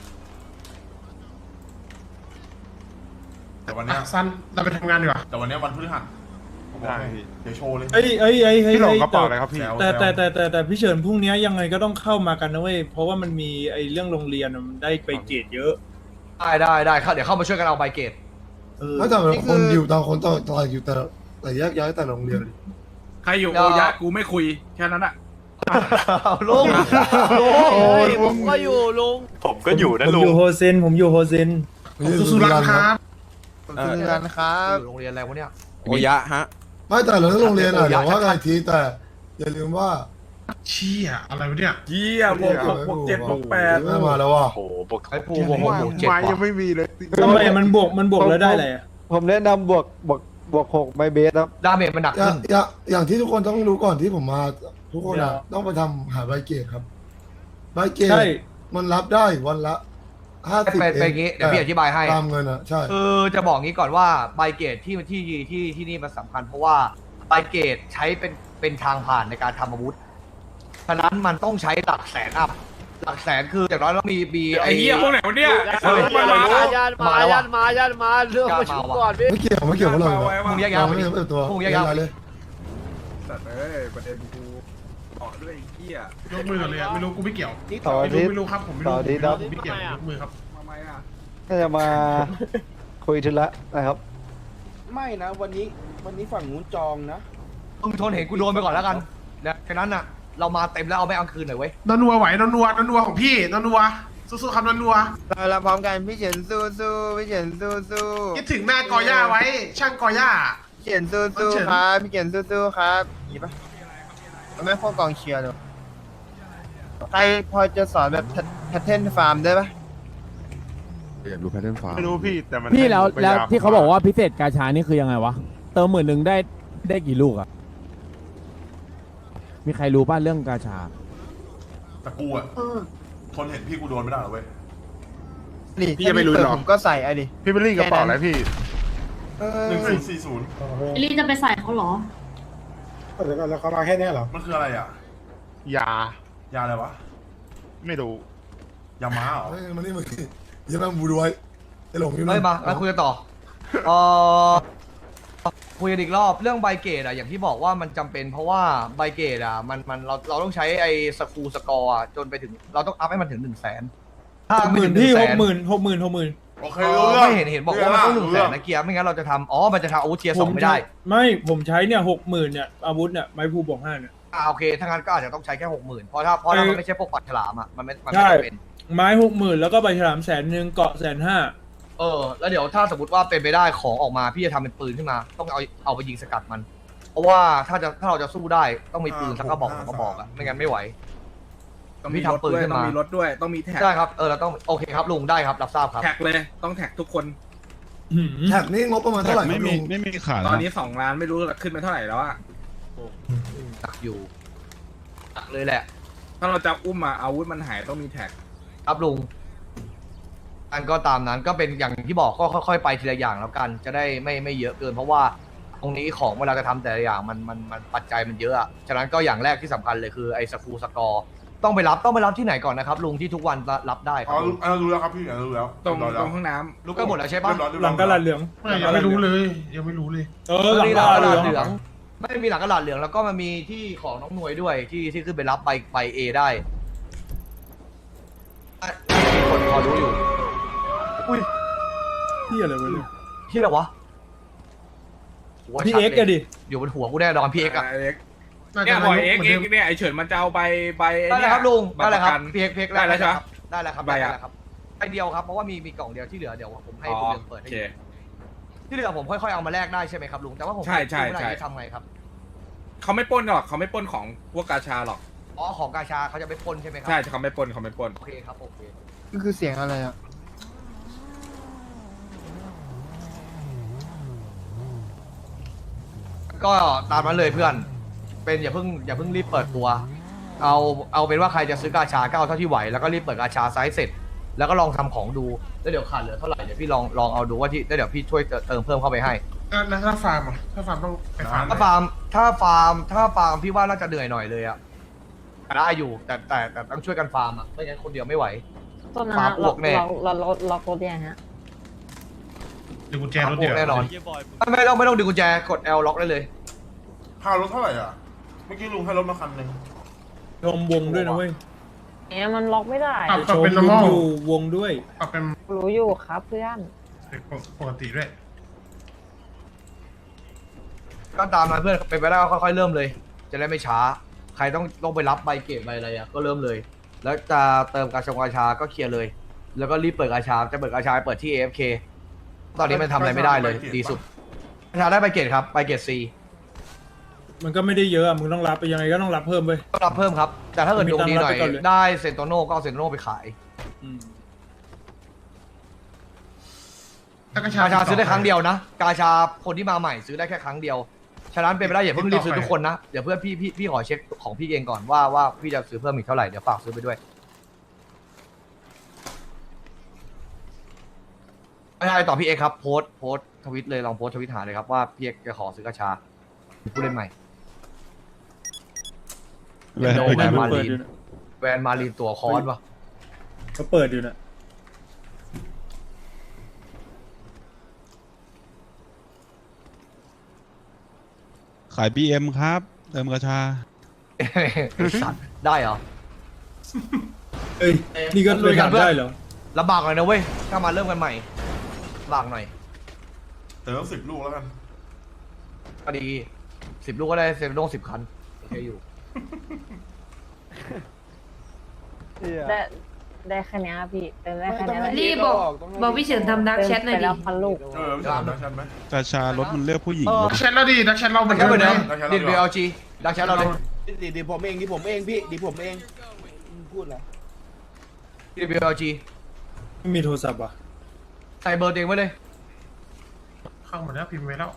[SPEAKER 2] แต่วันเนี้ย
[SPEAKER 8] สั้นเราไปทำงานดีกว่า
[SPEAKER 2] แต่วันเนี้ยวันพฤหัสผมบอกให้เดี๋ยวโชว์เลย
[SPEAKER 10] เอ้ย
[SPEAKER 3] พี่หลงกระเป๋าอะไรครับพี่
[SPEAKER 10] แต่พี่เฉินพรุ่งนี้ยังไงก็ต้องเข้ามากันนะเว้ยเพราะว่ามันมีไอ้เรื่องโรงเรียนมันได้ไปเกรดเยอะ
[SPEAKER 1] ได้ครับเดี๋ยวเข้ามาช่วยกันเอาใบเกต
[SPEAKER 5] แล้วแต่ละคนอยู่ต่างคนต่างอยู่แต่แยกย้ายแต่โรงเรียน
[SPEAKER 4] ใครอยู่โอยะกูไม่คุยแค่นั้นอะ
[SPEAKER 1] ลุง
[SPEAKER 6] ผมก็อยู่ลุง
[SPEAKER 7] ผมก็อยู่นะ
[SPEAKER 10] ผม
[SPEAKER 7] ลุ
[SPEAKER 10] อง ยู่โฮเซน
[SPEAKER 8] สุรันครับ
[SPEAKER 6] คือกันครับ
[SPEAKER 1] โรงเรียนอะไรวะเนี่ย
[SPEAKER 6] โอยะฮะ
[SPEAKER 5] ไม่แต่เราโรงเรียนอะเดี๋ยวว่ากันอีกทีแต่อย่าลืมว่า
[SPEAKER 8] เชี่ยอะไรวะเนี่ย
[SPEAKER 4] เยี่ยบวก6บวก7บวก8
[SPEAKER 5] ไม่มาแล้วว่ะ
[SPEAKER 7] โอ้โหบวก
[SPEAKER 1] ไอ้ปูบอกว่า7
[SPEAKER 3] ไม้
[SPEAKER 1] ว่ะ
[SPEAKER 3] ยังไม่มีเลย
[SPEAKER 10] ทำไมมันบวกแล้วได้อะไรอะ
[SPEAKER 6] ผมแนะนำบวก6ใบเบสครับ
[SPEAKER 1] ดาเมจมันหนักขึ้น
[SPEAKER 5] อย่างที่ทุกคนต้องรู้ก่อนที่ผมมาทุกคนอะต้องไปทำหาใบเกตครับใบเกต
[SPEAKER 10] ใช่
[SPEAKER 5] มันรับได้วันละ50
[SPEAKER 1] เป็นอย่างงี้เดี๋ยวพี่อธิบายให้
[SPEAKER 5] ตามเงินอะใช่
[SPEAKER 1] คือจะบอกงี้ก่อนว่าใบเกตที่นี่มันสำคัญเพราะว่าใบเกตใช้เป็นทางผ่านในการทำอาวุธฉะนั้นมันต้องใช้หลักแสนอัพหลักแสนคืออย่างน้อยต้องมี
[SPEAKER 4] ไอ้เหี้ยพวกไหนวะเนี่ย
[SPEAKER 6] มาเรื่องประชุมก่อนพี่
[SPEAKER 5] ไม่เกี่ยวกับเรา
[SPEAKER 1] พวกแยก
[SPEAKER 5] เรา
[SPEAKER 1] ย้าย
[SPEAKER 5] ไม่ได้เปิดตัว
[SPEAKER 1] พวกแยกย้าย
[SPEAKER 5] เลย
[SPEAKER 4] สัตว์เอ้ยประเด็นกูต่อด้วยไอ้เหี้ย
[SPEAKER 8] ยกมือก่อนเลยอะไม่รู้กูไม่เกี่ยว
[SPEAKER 6] ต่ออาทิตย์
[SPEAKER 8] ไม่รู้ครับผมไม่รู้
[SPEAKER 6] ต่ออาทิตย์ครับ
[SPEAKER 8] ผมไม่เกี่ยวยกมือครับ
[SPEAKER 4] ทำไมอะ
[SPEAKER 6] น่าจะมาคุยธุระนะครับ
[SPEAKER 9] ไม่นะวันนี้ฝั่งนู้นจองนะ
[SPEAKER 1] มึงทนเห็นกูโดนไปก่อนแล้วกันนะแค่นั้นน่ะเรามาเต็มแล้วเอาไม่เอาคืนหน่อยเว้ย
[SPEAKER 8] นนัวไหวนนัวของพี่นนัวสู้ๆครับนนัว
[SPEAKER 6] เราพร้อมกันพี่เฉินสู้พี่เฉินสู้
[SPEAKER 8] คิดถึงหน้ากอย่าไว้ ช่างกอย่า
[SPEAKER 6] พี่เฉินสู้ครับพี่เฉินสู้ครับนี่ปะไม่พวกกองเชียร์เลยใครพอจะสอนแบบแพทเทิร์นฟาร์มได้ปะ
[SPEAKER 3] อยากดูแพทเทิร์นฟ้าไม่รู้พี่แต่มัน
[SPEAKER 11] พี่แล้ว
[SPEAKER 3] ให้ผมไป
[SPEAKER 11] ที่เขาบอกว่าพิเศษกาชานี่คือยังไงวะ เติม10,000ได้กี่ลูกอะมีใครรู้ป่ะเรื่องกาชา
[SPEAKER 2] แต่กูอะทนเห็นพี่กูโดนไม่ได้หรอเว้ย
[SPEAKER 6] นี่
[SPEAKER 8] พี่จะไม่รู้หรอ
[SPEAKER 6] ผมก็ใส่ไอ้ดิ
[SPEAKER 3] พี่เบลลี่กระเป๋าอะไรพี่
[SPEAKER 2] 1040
[SPEAKER 12] ลี่จะไปใส่เขาเหรอ
[SPEAKER 5] เดี๋ยวก่อนแล้วเขามาแค่นี้เหรอ
[SPEAKER 2] มันคืออะไรอ่ะ
[SPEAKER 3] ยา
[SPEAKER 2] ยาอะไรวะ
[SPEAKER 3] ไม่รู้
[SPEAKER 2] ยาม้าเหรอ
[SPEAKER 5] มานี่อย่ามาบูดไว้ไอ้หลงอยู่
[SPEAKER 1] เฮ้ยมาคุยกันต่อคุยกันอีกรอบเรื่องใบเกตอะอย่างที่บอกว่ามันจำเป็นเพราะว่าใบเกตอะมันเราต้องใช้ไอ้สกูสกอร์จนไปถึงเราต้องอัพให้มันถึง100,000ถ้าไม่ถึง
[SPEAKER 10] พี่
[SPEAKER 1] 100,000
[SPEAKER 10] 60,000
[SPEAKER 2] โอเครู้เรื่อง
[SPEAKER 1] ไม่เห็นบอกว่ามันต้อง100,000นะเกียร์ไม่งั้นเราจะทำมันจะทำอาวุธเทียร์ 2ไม่ได้
[SPEAKER 10] ผมใช้เนี่ย60,000เนี่ยอาวุธเนี่ยไม้ภูบวก5เนี่ย
[SPEAKER 1] โอเคถ้างั้นก็อาจจะต้องใช้แค่ 60,000เพราะถ้ามันไม่ใช่พวกปัดฉลามอะมันไม่
[SPEAKER 10] ใช่
[SPEAKER 1] จำเป็น
[SPEAKER 10] ไม้60,000แล้วก็ใบฉลาม100,000เกาะ150,000
[SPEAKER 1] แล้วเดี๋ยวถ้าสมมติว่าเป็นไปได้ของออกมาพี่จะทำเป็นปืนขึ้นมา ต้องเอาไปยิงสกัดมัน เพราะว่าถ้าเราจะสู้ได้ต้องมีปืนสักกระบอก2กระบอกอะไม่งั้นไม่ไหว
[SPEAKER 4] ต้องมีรถด้วยต้องมีรถด้วยต้องมีแท็ก
[SPEAKER 1] ได้ครับเราต้องโอเคครับลุงได้ครับรับทราบครับ
[SPEAKER 4] แท็กเลยต้องแท็กทุกคน
[SPEAKER 5] แท็กนี่งบประมาณเท่าไหร่
[SPEAKER 3] ไม่มีขาย
[SPEAKER 4] ตอนนี้2 ล้านไม่รู้ขึ้นไปเท่าไหร่แล้วอะ
[SPEAKER 1] ตักอยู่ตักเลยแหละ
[SPEAKER 4] ถ้าเราจะอุ้มมาอาวุธมันหายต้องมีแท็ก
[SPEAKER 1] ครับลุงอันก็ตามนั้นก็เป็นอย่างที่บอกก็ค่อยๆไปทีละอย่างแล้วกัน จะได้ไม่เยอะเกิน เพราะว่าตรงนี้ของเวลาจะทำแต่ละอย่างมันปัจจัยมันเยอะอะฉะนั้นก็อย่างแรกที่สำคัญเลยคือไอ้สกูสกอร์ต้องไปรับที่ไหนก่อนนะครับลุงที่ทุกวันรับได้ค
[SPEAKER 2] อ๋
[SPEAKER 1] รั
[SPEAKER 2] อบ รู้แล้วครับพี่รู้แล้ว
[SPEAKER 4] ตรงห้องน้ำ
[SPEAKER 1] รู้กันหมดแล้วใช่ปะ
[SPEAKER 10] หลังกระดาษเหลือง
[SPEAKER 8] ยังไม่รู้เลยยังไม่รู้เลย
[SPEAKER 10] หลังกระดาษเหลือง
[SPEAKER 1] ไม่มีหลังกระดาษเหลืองแล้วก็มันมีที่ของน้องหน่วยด้วยที่ขึ้นไปรับใบเอได้มีคนพอรู้อยู่อุ้ย
[SPEAKER 10] ที่อะไรวะเนี่ย
[SPEAKER 1] ที่อะไรวะหัว
[SPEAKER 10] พี่
[SPEAKER 1] ชัด
[SPEAKER 10] เอ็กซ์
[SPEAKER 1] ล
[SPEAKER 10] อะดิ
[SPEAKER 1] อยู่บนหัวกูแน่นอนพี่เอ็กซ์อะ
[SPEAKER 4] เนี่ยบอยเอ็กเนี่ยไอเฉินมันจะเอาใบ
[SPEAKER 1] ได้เลยครับลุงได้เลยครับพี่เอ็กซ์
[SPEAKER 4] ได้แล้วใช่ไหม
[SPEAKER 1] ได้แล้วครับ
[SPEAKER 4] ใบ
[SPEAKER 1] ได้
[SPEAKER 4] อะ
[SPEAKER 1] แล้วครับใบเดียวครับเพราะว่ามีกล่องเดียวที่เหลือเดี๋ยวผมให้
[SPEAKER 4] อ๋อ
[SPEAKER 1] คุณเดือนเปิด
[SPEAKER 4] โอ
[SPEAKER 1] ให้
[SPEAKER 4] เค
[SPEAKER 1] ที่เหลือผมค่อยๆเอามาแลกได้ใช่ไหมครับลุงแต่ว่าผม
[SPEAKER 4] ใช่
[SPEAKER 1] ไม่ได้จะทำไงครับ
[SPEAKER 4] เขาไม่ปล้นหรอกเขาไม่ปล้นของพวกกาชาหรอก
[SPEAKER 1] อ๋อของกาชาเขาจะไปปล้นใช่ไหมครั
[SPEAKER 4] ใช่เขาไม่ปล้น
[SPEAKER 1] โอเคครับโอเค
[SPEAKER 6] ก็คือเสียงอะไรอ่ะ
[SPEAKER 1] ก็ตามนั้นเลยเพื่อน เป็นอย่าเพิ่งรีบเปิดตัว เอาเป็นว่าใครจะซื้อกาชาก็เอาเท่าที่ไหวแล้วก็รีบเปิดกาชาไซส์เสร็จแล้วก็ลองทำของดูแล้วเดี๋ยวขาดเหลือเท่าไหร่เดี๋ยวพี่ลองเอาดูว่าที่แล้วเดี๋ยวพี่ช่วยเติมเพิ่มเข้าไปให้
[SPEAKER 2] แล้วถ้าฟาร์มอ่ะถ้าฟาร์มต้องไปฟาร์ม
[SPEAKER 1] ถ้าฟาร์มพี่ว่าน่าจะเหนื่อยหน่อยเลยอะได้อยู่แต่ต้องช่วยกันฟาร์มอะไม่งั้นคนเดียวไม่ไหว
[SPEAKER 12] ต้นนะ
[SPEAKER 1] ฟาร์มอ้วกแน่
[SPEAKER 12] เราล็อกรถยังฮะ
[SPEAKER 2] ดึงกุญแจ
[SPEAKER 1] ฟาร์
[SPEAKER 2] ร
[SPEAKER 1] ม
[SPEAKER 2] ถ
[SPEAKER 1] อ้
[SPEAKER 2] เดี
[SPEAKER 1] ว
[SPEAKER 2] ยว
[SPEAKER 1] กแน่นอนไม่ต้องดึงกุญแจกด L ล็อกได้เลย
[SPEAKER 2] พารถเท่าไหร่อ่ะเมื่อกี้ลุงให้รถมาคันหนึ่ง
[SPEAKER 10] ชมวงด้วยนะเว้ย
[SPEAKER 12] เนี่ยมันล็อกไม่ได้
[SPEAKER 10] ชมลุงอยู่วงด้วย
[SPEAKER 2] ปรับเป็น
[SPEAKER 12] รู้อยู่ครับเพื่อน
[SPEAKER 2] ปกติด้วย
[SPEAKER 1] ก็ตามนั้นเพื่อนเป็นไปได้ก็ค่อยๆเริ่มเลย จะได้ไม่ช้า ใครต้องไปรับใบเกรดใบอะไรอะก็เริ่มเลย แล้วจะเติมกาชาก็เคลียร์เลย แล้วก็รีบเปิดกาชาจะเปิดกาชาเปิดที่ AFK ตอนนี้มันทำอะไรไม่ได้เลยดีสุดกาชาได้ใบเกรดครับใบเกรด C
[SPEAKER 10] มันก็ไม่ได้เยอะอะมึงต้องรับไปยังไงก็ต้องรับเพิ่มไป
[SPEAKER 1] ก็รับเพิ่มครับ แต่ถ้าเกิดดวงดีหน่อย
[SPEAKER 10] มีตังค์รับไปก่อนเลย
[SPEAKER 1] ได้เซนโตโน่ก็เอาเซนโตโน่ไปขาย
[SPEAKER 2] ถ้ากระ
[SPEAKER 1] กาชาซื้อได้ครั้งเดียวนะ กาชาคนที่มาใหม่ซื้อได้แค่ครั้งเดียว ฉะนั้นเป็นไปได้อย่าเพิ่งรีบซื้อทุกคนนะ เดี๋ยวเพื่อนพี่ขอเช็คของพี่เองก่อนว่าพี่จะซื้อเพิ่มอีกเท่าไหร่ เดี๋ยวฝากซื้อไปด้วยไม่ใช่ต่อพี่เอกครับโพสต์ทวิตเลยลองโพสต์ทวิตหาเลยครับว่าพี่เอกจะขอซื้อกาชาผู้เล่นใหม่แวนมารีนตัวคอนวะ
[SPEAKER 10] เขาเปิดอยู่นะ
[SPEAKER 3] ขาย BM ครับ เติมกระชา
[SPEAKER 1] สัตว์ได้เหรอ
[SPEAKER 10] เอ้ยนี่ก็เลยทำได้เหรอ
[SPEAKER 1] ลำบากหน่อยนะเว้ยถ้ามาเริ่มกันใหม่ลำบากหน่อย
[SPEAKER 2] เติม10 ลูกแล้วกัน
[SPEAKER 1] ก็ดี10 ลูกก็ได้เซนโน่10 คันโอเคอยู่
[SPEAKER 12] ได้แค่เนี้ยพี่เติมได้แค่เนี้ยแหละ
[SPEAKER 5] รีบบอกพี่เฉินทำดักแชทหน่อยดิ
[SPEAKER 12] ไปแล้วพันลูก
[SPEAKER 2] ไม่ใช่ดักชันไหม
[SPEAKER 3] กระชารถมันเลือกผู้หญิง
[SPEAKER 2] ดักชันแล้วดิดักชันเรา
[SPEAKER 1] ดักแชทเหมือนเดิมดิเบลจีดักแชทเราเลย
[SPEAKER 8] ดิผมเองดิผมเองพี่ดิผมเองพูดแล้ว
[SPEAKER 1] ดิเบลจี
[SPEAKER 10] ไม่มีโทรศัพท์อ่ะ
[SPEAKER 1] ใส่เบอร์ตัวเองไว้เลย
[SPEAKER 2] เข้าหมดแล้วพิมพ์ไว้แล้ว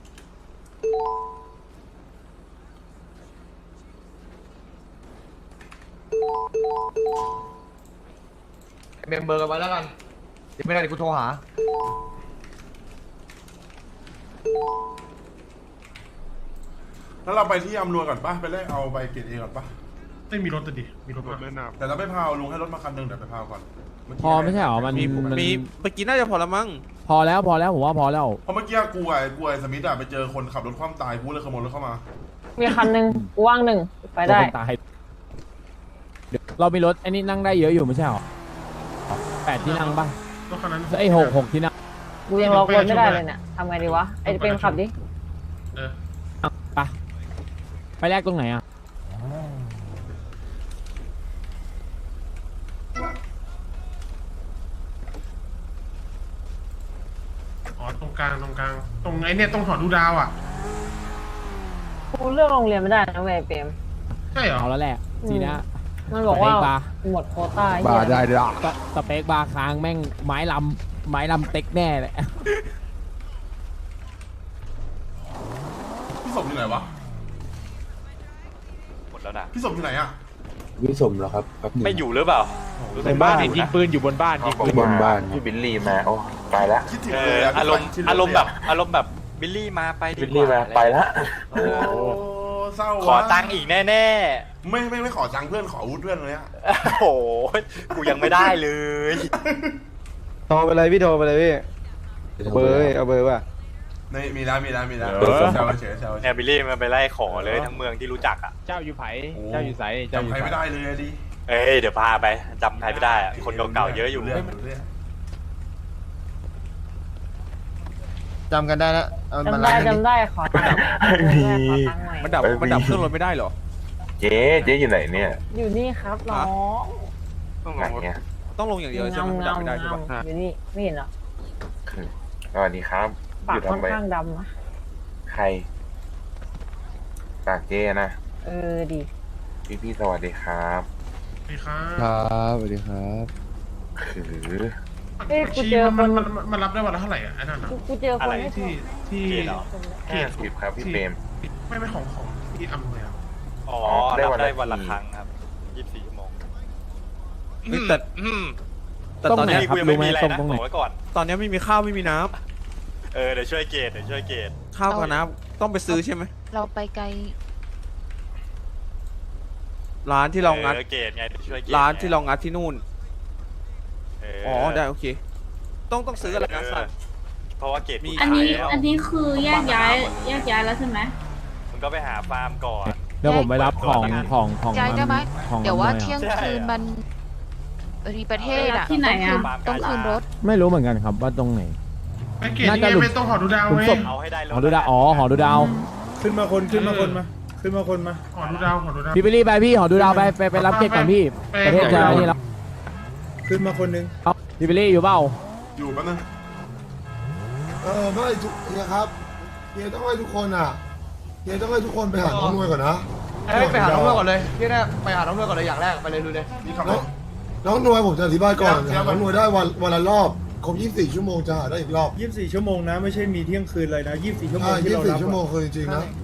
[SPEAKER 1] เมมเบอร์กันไว้แล้วกันเดี๋ยวไม่ได้เดี๋ยวกูโทรหา
[SPEAKER 2] แล้วเราไปที่อำนวยก่อนป่ะไปแลกเอาใบเกรด A ก่อนป่ะไม่มีรถแต่ดิมีรถไม่นาแต่เราไม่พาวลุงให้รถมาคันหนึ่งเดี๋ยวไปพาวก่อน
[SPEAKER 11] พอไม่ใช่หรอมันมัน
[SPEAKER 8] มีเมื่อกี้น่าจะพอละมั้ง
[SPEAKER 11] พอแล้วผมว่าพอแล้ว
[SPEAKER 2] เพราะเมื่อกี้กูไอ้สมิธอะไปเจอคนขับรถคว่ำตายกูเลยขโมยรถเข้ามา
[SPEAKER 12] มีคันหนึ่งกูว่างหนึ่งไปได้
[SPEAKER 11] คนตายเดี๋ยวเรามีรถไอ้นี่นั่งได้เยอะอยู่ไม่ใช่หรอ8 ที่นั่งป่ะ
[SPEAKER 2] รถคันนั้น
[SPEAKER 11] ไอ้6 ที่นั่ง
[SPEAKER 12] กูยังล็อกรถไม่ได้เลยเนี่ยทำไงดีวะไอ้เป็นขับดิ
[SPEAKER 11] ไปแรกตรงไหนอ่ะ
[SPEAKER 2] อ๋อตรงกลางตรงไอ้เนี่ยตรงหอดูดาวอ่ะ
[SPEAKER 12] กูเลือกโรงเรียนไม่ได้นะเว้ยเปรม
[SPEAKER 2] ใช่เหรอ
[SPEAKER 11] เอาแล้วแหละทีนะ
[SPEAKER 12] มันบอกว่า
[SPEAKER 11] สเปคบาร์
[SPEAKER 12] หมดโควต้า
[SPEAKER 3] บาร์ได้ด้วย
[SPEAKER 11] สเปคบาร์ค้างแม่งไม้ลำเต็กแน่เลย
[SPEAKER 2] พี่สมอยู่ไหนวะ
[SPEAKER 7] หมดแล้วนะ
[SPEAKER 2] พี่สมอยู่ไหนอ่ะ
[SPEAKER 8] วิสมเหรอครับครับ
[SPEAKER 7] ไม่อยู่หรือเปล่า
[SPEAKER 8] ในบ้าน
[SPEAKER 7] ยิงปืนอยู่บนบ้าน
[SPEAKER 8] บนบ้านพี่บิลลี่มาโอ้ไปละ
[SPEAKER 2] คิดถึงเลยอะ
[SPEAKER 7] อารมณ์แบบบิลลี่มาไปดี
[SPEAKER 8] บิล
[SPEAKER 7] ก
[SPEAKER 8] ลี่มา
[SPEAKER 7] ว่า
[SPEAKER 8] ไปละ
[SPEAKER 2] โอ้เศร้า
[SPEAKER 7] ขอตังค์อีกแน่
[SPEAKER 2] ไม่ขอตังค์เพื่อนขออาวุธเพื่อนเลยอะ
[SPEAKER 7] ๆ โอ้โห กูยังไม่ได้เลย
[SPEAKER 6] โทรไปเลยพี่โทรไปเลยพี่เบอร์เอาเบอร์ว่ะ
[SPEAKER 2] ในมีแล้วแซวเฉย
[SPEAKER 7] เนี่ยบิลลี่มันไปไล่ขอเลยทั้งเมืองที่รู้จักอ่ะ
[SPEAKER 11] เจ้าอยู่ไผ่
[SPEAKER 2] จำใครไม่ได้เลยดิ
[SPEAKER 7] เอ้ยเดี๋ยวพาไปจำใครไม่ได้อะคนเก่าๆเยอะอยู่
[SPEAKER 2] เรื่อง
[SPEAKER 6] จำกันได้แล้วเอามา
[SPEAKER 12] จำได้ขอตังค์หน่อย
[SPEAKER 8] มันดับเครื่องรถไม่ได้หรอเจ๊อยู่ไหนเนี่ย
[SPEAKER 12] อยู่นี่ครับน้อง
[SPEAKER 8] ไหนเนี่ย
[SPEAKER 6] ต้องลงอย่างเดียวใช่ไหมมันดับไม่ได้ใช่ปะ
[SPEAKER 12] อยู่นี่ไม่เห็นเหรอ
[SPEAKER 8] สวัสดีครับ
[SPEAKER 12] ปากค่อนข้างดำนะ
[SPEAKER 8] ใครปากเจ๊นะ
[SPEAKER 12] ดี
[SPEAKER 8] พี่สวัสดีครับ
[SPEAKER 2] ดีครับ
[SPEAKER 3] ครับสวัสดีครับ
[SPEAKER 8] คือ
[SPEAKER 12] เอ้ยกูเจอคน
[SPEAKER 2] มันรับได้วันละเท่าไหร่อ่ะไอ้นั่นอ่ะ
[SPEAKER 12] กูเจอคนให้
[SPEAKER 2] ที่
[SPEAKER 7] เหรอ
[SPEAKER 8] 50ครับพี่เปรม
[SPEAKER 2] ไม่ของที่อำนวยอ่ะ
[SPEAKER 7] อ๋อรับได้วันละครั้งครับ24 ชั่วโมง
[SPEAKER 8] แต่
[SPEAKER 7] แต่
[SPEAKER 11] ตรง
[SPEAKER 7] ตอน
[SPEAKER 11] ไหน
[SPEAKER 7] นี้
[SPEAKER 11] ครับ
[SPEAKER 7] กูยังไม่
[SPEAKER 11] รู้ไหม
[SPEAKER 7] มีอะไร
[SPEAKER 11] ตรง
[SPEAKER 7] นะ
[SPEAKER 11] ตรงไหน
[SPEAKER 7] บอกไว้ก่อน
[SPEAKER 8] ตอนนี้ไม่มีข้าวไม่มีน้
[SPEAKER 7] เดี๋ยวช่วยเกตเดี๋ยวช่วยเกต
[SPEAKER 8] ำข้าวกับน้ำต้องไปซื้อใช่ไหม
[SPEAKER 12] เราไปไกล
[SPEAKER 8] ร้านที่เรางัด
[SPEAKER 7] เกตไงเดี๋ยวช่วยเกต
[SPEAKER 8] ร้านที่เรางัดที่นู่น
[SPEAKER 7] อ๋
[SPEAKER 8] ได้โอเค ต้องซื้ออะไรนะสัตว์
[SPEAKER 7] เพราะว่าเกต
[SPEAKER 8] มี
[SPEAKER 12] อันนี้
[SPEAKER 7] ขายแล้ว
[SPEAKER 12] อันนี้คือแยกย้ายแล้วใช่ไหม
[SPEAKER 7] มึงก็ไปหาฟาร์มก่อน
[SPEAKER 11] เดี๋ยวผมไปรับของของ
[SPEAKER 12] ย้ายได้ไหม
[SPEAKER 11] ของ
[SPEAKER 12] เดี๋ยวว่า
[SPEAKER 11] อำน
[SPEAKER 12] เที่ยง
[SPEAKER 7] ใช่
[SPEAKER 12] คืนมันรีประเทศอะที่ไหนอะต้องคืนรถ
[SPEAKER 11] ไม่รู้เหมือนกันครับว่าตรงไหน
[SPEAKER 2] ไปเกต
[SPEAKER 11] น่า
[SPEAKER 2] นี่
[SPEAKER 11] จะ
[SPEAKER 2] ไง
[SPEAKER 11] หลุม
[SPEAKER 2] ไม่ต้องหอดูดาว
[SPEAKER 11] หลุม
[SPEAKER 2] เว้ย
[SPEAKER 11] ศพ
[SPEAKER 7] เอาให้ได้รถ
[SPEAKER 11] หอดูดาวอ๋อหอดูดาว
[SPEAKER 10] ขึ้นมาคนขึ้นมาคนมาขึ้นมาคนมา
[SPEAKER 2] หอดูดาวหอดูดาว
[SPEAKER 11] พี่บิลลี่ไปพี่หอดูดาวไปรับเก็บก่อนพี่
[SPEAKER 2] ไป
[SPEAKER 11] ประเทศจะนี่แล้ว
[SPEAKER 10] ขึ้นมาคนหนึง
[SPEAKER 11] เอาพี่บิลลี่อยู่เปล่า
[SPEAKER 2] อยู่แป๊บนึง
[SPEAKER 5] ไม่ทุกเฮียครับเฮียต้องให้ทุกคนอ่ะเฮียต้องให้ทุกคนไปหาน้องนวยก่อนนะ
[SPEAKER 1] ไปหาน้องเลือกก่อนเลยที่แรกไปหาน้องเลือกก่อนเลยอย่างแรกไปเลยลุยเลย
[SPEAKER 2] นี่ขับ
[SPEAKER 5] น้
[SPEAKER 2] ร
[SPEAKER 5] อง
[SPEAKER 2] ถ
[SPEAKER 5] น้องนวยผมจะอธิบายก่อน
[SPEAKER 2] เดี๋ยว
[SPEAKER 5] หาน้องนวยได้วันละรอบครบ24 ชั่วโมงจะหาได้อีกรอบ
[SPEAKER 10] 24 ชั่วโมงนะไม่ใช่มีเที่ยงคืนเลยนะ24 ชั่วโมง
[SPEAKER 5] ใช่
[SPEAKER 10] ที่เรารับ
[SPEAKER 5] 24 ชั่วโมงคือจริงๆนะ